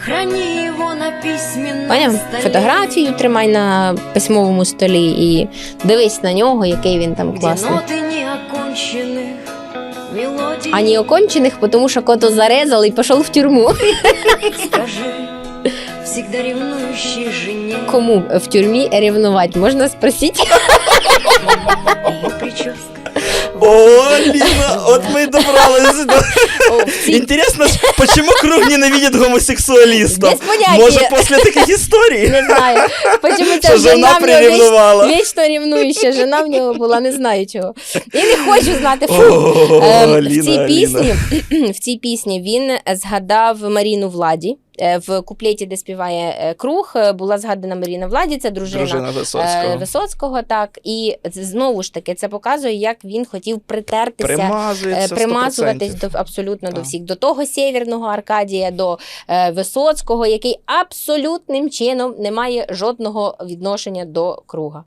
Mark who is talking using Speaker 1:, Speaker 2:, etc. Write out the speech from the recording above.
Speaker 1: Храни его на письменном
Speaker 2: Поняв?
Speaker 1: столе.
Speaker 2: Фотографію тримай на письмовому столі і дивись на нього, який він там
Speaker 1: Где
Speaker 2: класний.
Speaker 1: ноты неоконченных мелодий.
Speaker 2: А не окончених, тому що кото зарезал і пішов в тюрму.
Speaker 1: Скажи всегда ревнующей жене.
Speaker 2: Кому в тюрмі ревнувати? Можна спросити?
Speaker 1: Ее прическа.
Speaker 3: О, Ліна, от ми й добрались до...
Speaker 2: О, в цій-
Speaker 3: Интересно, почему Круг ненавидит гомосексуалистов?
Speaker 2: Без поняття.
Speaker 3: Может, после таких историй?
Speaker 2: Не знаю. Почему
Speaker 3: Що
Speaker 2: ця
Speaker 3: жена
Speaker 2: жена в нього
Speaker 3: приревнувала.
Speaker 2: вічно ревнуюча жена в нього була, не знаю чого. І не хочу знати. Фу.
Speaker 3: О,
Speaker 2: В
Speaker 3: Ліна,
Speaker 2: цій
Speaker 3: Ліна.
Speaker 2: пісні, в цій пісні він згадав Маріну Владі. В куплеті, де співає Круг, була згадана Маріна Владі, це дружина
Speaker 3: Висоцького.
Speaker 2: Висоцького, так. І знову ж таки, це показує, як він хотів притертися,
Speaker 3: Примазується 100%.
Speaker 2: примазуватись абсолютно до
Speaker 3: Так.
Speaker 2: всіх. До того Сєвєрного Аркадія, до Висоцького, який абсолютним чином не має жодного відношення до Круга.